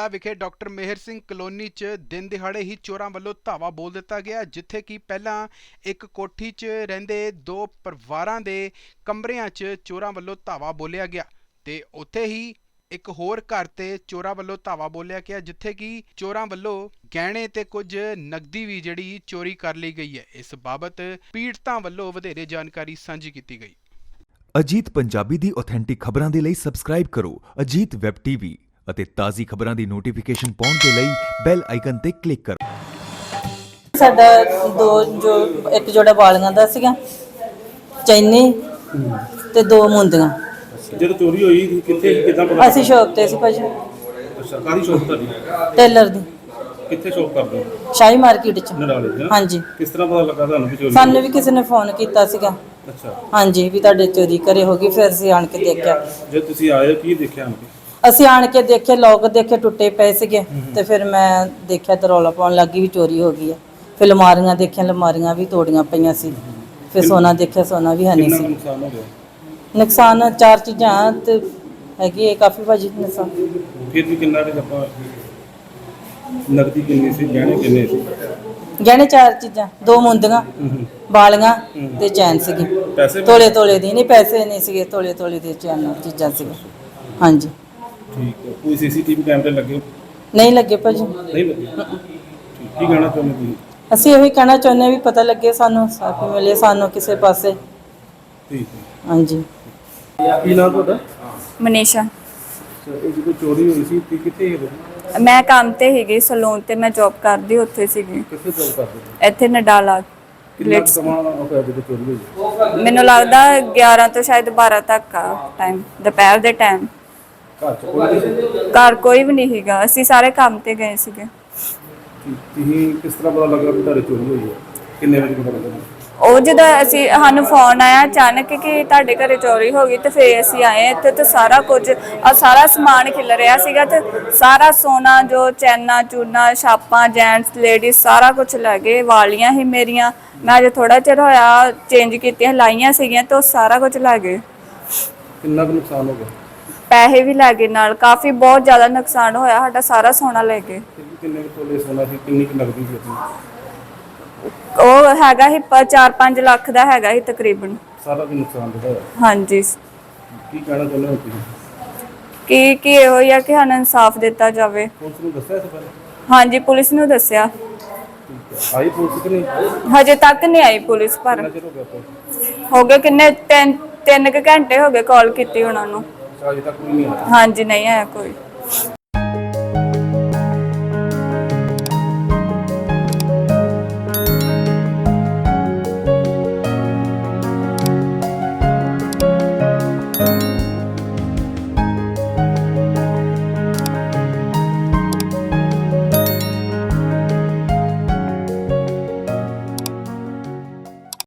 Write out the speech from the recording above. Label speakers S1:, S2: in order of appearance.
S1: ਪਟਿਆਲਾ ਵਿਖੇ ਡਾਕਟਰ ਮੇਹਰ ਸਿੰਘ ਕਲੋਨੀ 'ਚ ਦਿਨ ਦਿਹਾੜੇ ਹੀ ਚੋਰਾਂ ਵੱਲੋਂ ਧਾਵਾ ਬੋਲ ਦਿੱਤਾ ਗਿਆ, ਜਿੱਥੇ ਕਿ ਪਹਿਲਾਂ ਇੱਕ ਕੋਠੀ 'ਚ ਰਹਿੰਦੇ ਦੋ ਪਰਿਵਾਰਾਂ ਦੇ ਕਮਰਿਆਂ 'ਚ ਚੋਰਾਂ ਵੱਲੋਂ ਧਾਵਾ ਬੋਲਿਆ ਗਿਆ ਤੇ ਉੱਥੇ ਹੀ ਇੱਕ ਹੋਰ ਘਰ ਤੇ ਚੋਰਾਂ ਵੱਲੋਂ ਧਾਵਾ ਬੋਲਿਆ ਗਿਆ, ਜਿੱਥੇ ਕਿ ਚੋਰਾਂ ਵੱਲੋਂ ਗਹਿਣੇ ਤੇ ਕੁਝ ਨਕਦੀ ਵੀ ਜਿਹੜੀ ਚੋਰੀ ਕਰ ਲਈ ਗਈ ਹੈ। ਇਸ ਬਾਬਤ ਪੀੜਤਾਂ ਵੱਲੋਂ ਵਧੇਰੇ ਜਾਣਕਾਰੀ ਸਾਂਝੀ ਕੀਤੀ ਗਈ।
S2: ਅਜੀਤ ਪੰਜਾਬੀ ਦੀ ਆਥੈਂਟਿਕ ਖਬਰਾਂ ਦੇ ਲਈ ਸਬਸਕ੍ਰਾਈਬ ਕਰੋ ਅਜੀਤ ਵੈਬ ਟੀਵੀ ਅਤੇ ਤਾਜ਼ੀ ਖਬਰਾਂ ਦੀ ਨੋਟੀਫਿਕੇਸ਼ਨ ਪਾਉਣ ਦੇ ਲਈ ਬੈਲ ਆਈਕਨ ਤੇ ਕਲਿੱਕ ਕਰੋ।
S3: ਸਾਡਾ ਇੱਕ ਜੋੜਾ ਵਾਲੀਆਂ ਦਾ ਸੀਗਾ, ਚੈਨੀ ਤੇ ਦੋ ਮੁੰਦੀਆਂ।
S4: ਜਦੋਂ ਚੋਰੀ ਹੋਈ ਕਿੱਥੇ ਕਿਦਾਂ ਪਤਾ?
S3: ਅਸੀਂ ਸ਼ੌਪ ਤੇ ਸੀ ਭਾਜੀ।
S4: ਅੱਛਾ, ਕਾਹਦੀ ਸ਼ੌਪ ਤੁਹਾਡੀ?
S3: ਟੇਲਰ ਦੀ।
S4: ਕਿੱਥੇ ਸ਼ੌਪ ਕਰਦੇ ਹੋ?
S3: ਸ਼ਾਹੀ ਮਾਰਕੀਟ ਚ।
S4: ਨਰਾਲੇ?
S3: ਹਾਂਜੀ।
S4: ਕਿਸ ਤਰ੍ਹਾਂ ਪਤਾ ਲੱਗਾ ਤੁਹਾਨੂੰ ਕਿ ਚੋਰੀ?
S3: ਸਾਨੂੰ ਵੀ ਕਿਸੇ ਨੇ ਫੋਨ ਕੀਤਾ ਸੀਗਾ।
S4: ਅੱਛਾ।
S3: ਹਾਂਜੀ, ਵੀ ਤੁਹਾਡੇ ਚੋਰੀ ਘਰੇ ਹੋ ਗਈ। ਫਿਰ ਅਸੀਂ ਆਣ ਕੇ ਦੇਖਿਆ।
S4: ਜੇ ਤੁਸੀਂ ਆਏ ਕੀ ਦੇਖਿਆ?
S3: ਅਸੀਂ ਆਣ ਕੇ ਦੇਖੇ, ਲੋਕ ਦੇਖੇ ਟੁੱਟੇ ਪਏ ਸੀਗੇ ਤੇ ਫਿਰ ਮੈਂ ਦੇਖਿਆ ਤੇ ਰੌਲਾ ਪਾਉਣ ਲੱਗੀ ਵੀ ਚੋਰੀ ਹੋ ਗਈ ਹੈ। ਫਿਰ ਅਲਮਾਰੀਆਂ ਦੇਖੀਆਂ, ਅਲਮਾਰੀਆਂ ਵੀ ਤੋੜੀਆਂ ਪਈਆਂ ਸੀ। ਫਿਰ ਸੋਨਾ ਦੇਖਿਆ, ਸੋਨਾ ਵੀ ਹੈ ਨਹੀਂ ਸੀ।
S4: ਨੁਕਸਾਨ ਹੋ ਗਿਆ?
S3: ਨੁਕਸਾਨ ਚਾਰ ਚੀਜ਼ਾਂ ਤੇ ਹੈਗੀ ਹੈ ਕਾਫੀ ਭਾਜੀ ਨੁਕਸਾਨ।
S4: ਫਿਰ ਵੀ ਕਿੰਨਾ ਕੁ ਆਪਾਂ ਨਕਦੀ ਕਿੰਨੀ ਸੀ, ਗਹਿਣੇ ਕਿੰਨੇ ਸੀ?
S3: ਗਹਿਣੇ ਚਾਰ ਚੀਜ਼ਾਂ, ਦੋ ਮੁੰਦੀਆਂ, ਵਾਲੀਆਂ ਤੇ ਚੈਨ ਸੀਗੀ।
S4: ਪੈਸੇ
S3: ਤੋਲੇ ਦੀ ਨਹੀਂ, ਪੈਸੇ ਨਹੀਂ ਸੀਗੇ, ਤੋਲੇ ਦੇ ਚੈਨ ਚੀਜ਼ਾਂ ਸੀਗੀਆਂ। ਹਾਂਜੀ।
S4: ਠੀਕ ਹੈ। ਕੋਈ ਸੀਸੀਟੀਵੀ ਕੈਮਰੇ ਲੱਗੇ?
S3: ਨਹੀਂ ਲੱਗੇ ਭਾਜੀ।
S4: ਨਹੀਂ ਲੱਗੇ? ਠੀਕ। ਕੀ ਕਹਿਣਾ ਚਾਹੁੰਦੇ ਤੁਸੀਂ?
S3: ਅਸੀਂ ਇਹੀ ਕਹਿਣਾ ਚਾਹੁੰਦੇ ਵੀ ਪਤਾ ਲੱਗੇ ਸਾਨੂੰ, ਸਾਫੀ ਮਿਲੇ ਸਾਨੂੰ ਕਿਸੇ ਪਾਸੇ।
S4: ਠੀਕ ਹੈ।
S3: ਹਾਂਜੀ।
S4: ਕੀ ਨਾਮ ਤੁਹਾਡਾ?
S5: ਮਨੀਸ਼ਾ।
S4: ਇਹ ਜਦੋਂ ਚੋਰੀ ਹੋਈ ਸੀ ਤੇ ਕਿੱਥੇ ਗਏ?
S5: ਮੈਂ ਕੰਮ ਤੇ ਹੈਗੀ ਸਲੂਨ ਤੇ, ਮੈਂ ਜੌਬ ਕਰਦੀ ਉੱਥੇ ਸੀਗੀ।
S4: ਕਿੱਥੇ ਜੌਬ ਕਰਦੇ?
S5: ਇੱਥੇ ਨਡਾਲਾ।
S4: ਕਿੰਨਾ ਸਮਾਂ ਹੋਇਆ ਜਦੋਂ ਚੋਰੀ ਹੋਈ?
S5: ਮੈਨੂੰ ਲੱਗਦਾ 11 ਤੋਂ ਸ਼ਾਇਦ 12 ਤੱਕ ਆ ਟਾਈਮ, ਦੁਪਹਿਰ ਦੇ ਟਾਈਮ।
S4: ਘਰ ਚ ਕੋਈ ਨਹੀਂ?
S5: ਘਰ ਕੋਈ ਵੀ ਨਹੀਂ ਹੈਗਾ, ਅਸੀਂ ਸਾਰੇ ਕੰਮ ਤੇ ਗਏ ਸੀਗੇ।
S4: ਤੁਸੀਂ ਕਿਸ ਤਰ੍ਹਾਂ ਪਤਾ ਲੱਗਾ ਕਿ ਤੁਹਾਡੀ ਚੋਰੀ ਹੋਈ ਹੈ? ਕਿੰਨੇ ਵਜੇ ਪਤਾ ਲੱਗਾ?
S5: ਉਹ ਜਦੋਂ ਸਾਨੂੰ ਫੋਨ ਆਇਆ ਅਚਾਨਕ ਕਿ ਤੁਹਾਡੇ ਘਰੇ ਚੋਰੀ ਹੋ ਗਈ, ਤੇ ਫਿਰ ਅਸੀਂ ਆਏ ਇੱਥੇ ਤੇ ਸਾਰਾ ਕੁਝ ਸਾਰਾ ਸਮਾਨ ਖਿਲ ਰਿਹਾ ਸੀਗਾ ਤੇ ਸਾਰਾ ਸੋਨਾ ਜੋ ਚੈਨਾ ਚੂਨਾ ਛਾਪਾਂ ਜੈਂਟਸ ਲੇਡੀਜ਼ ਸਾਰਾ ਕੁਝ ਲੈ ਗਏ। ਵਾਲੀਆਂ ਹੀ ਮੇਰੀਆਂ, ਮੈਂ ਅਜੇ ਥੋੜਾ ਚਿਰ ਹੋਇਆ ਚੇਂਜ ਕੀਤੀਆਂ, ਲਾਈਆਂ ਸੀਗੀਆਂ ਤੇ ਉਹ ਸਾਰਾ ਕੁਝ ਲੈ ਗਏ।
S4: ਕਿੰਨਾ ਕੁ ਨੁਕਸਾਨ ਹੋ ਗਿਆ?
S5: ਪੈਸੇ ਵੀ ਲੈ ਗਏ ਨਾਲ, ਕਾਫੀ ਬਹੁਤ ਜ਼ਿਆਦਾ ਨੁਕਸਾਨ ਹੋਇਆ ਸਾਡਾ, ਸਾਰਾ ਸੋਨਾ ਲੈ ਗਏ।
S4: ਕਿੰਨੇ ਤੋਲੇ ਸੋਨਾ ਸੀ, ਕਿੰਨੀ ਕੁ ਨਕਦੀ ਸੀ ਆਪਣੀ?
S5: ਉਹ ਹੈਗਾ ਸੀ 4-5 ਲੱਖ ਦਾ ਹੈਗਾ ਸੀ ਤਕਰੀਬਨ।
S4: ਸਾਰਾ ਕੁ ਨੁਕਸਾਨ ਹੋਇਆ?
S5: ਹਾਂਜੀ।
S4: ਕੀ ਕਹਿਣਾ ਚਾਹੁੰਦੇ ਹੋ ਤੁਸੀਂ?
S5: ਕੀ ਇਹੋ ਹੀ ਆ ਕਿ ਸਾਨੂੰ ਇਨਸਾਫ ਦਿੱਤਾ ਜਾਵੇ।
S4: ਪੁਲਿਸ ਨੂੰ ਦੱਸਿਆ ਇਸ ਬਾਰੇ?
S5: ਹਾਂਜੀ, ਪੁਲਿਸ ਨੂੰ ਦੱਸਿਆ।
S4: ਆਈ ਪੁਲਿਸ ਕਿ ਨਹੀਂ?
S5: ਹਜੇ ਤੱਕ ਨਹੀਂ ਆਈ ਪੁਲਿਸ, ਪਰ
S4: ਕਿੰਨਾ ਚਿਰ ਹੋ ਗਿਆ ਪੁਲਿਸ?
S5: ਹੋ ਗਏ ਕਿੰਨੇ 3 ਘੰਟੇ ਹੋ ਗਏ ਕਾਲ ਕੀਤੀ ਉਹਨਾਂ ਨੂੰ।
S4: ਅਜੇ ਤੱਕ ਕੋਈ ਨਹੀਂ ਆਇਆ?
S5: ਹਾਂਜੀ, ਨਹੀਂ ਆਇਆ ਕੋਈ।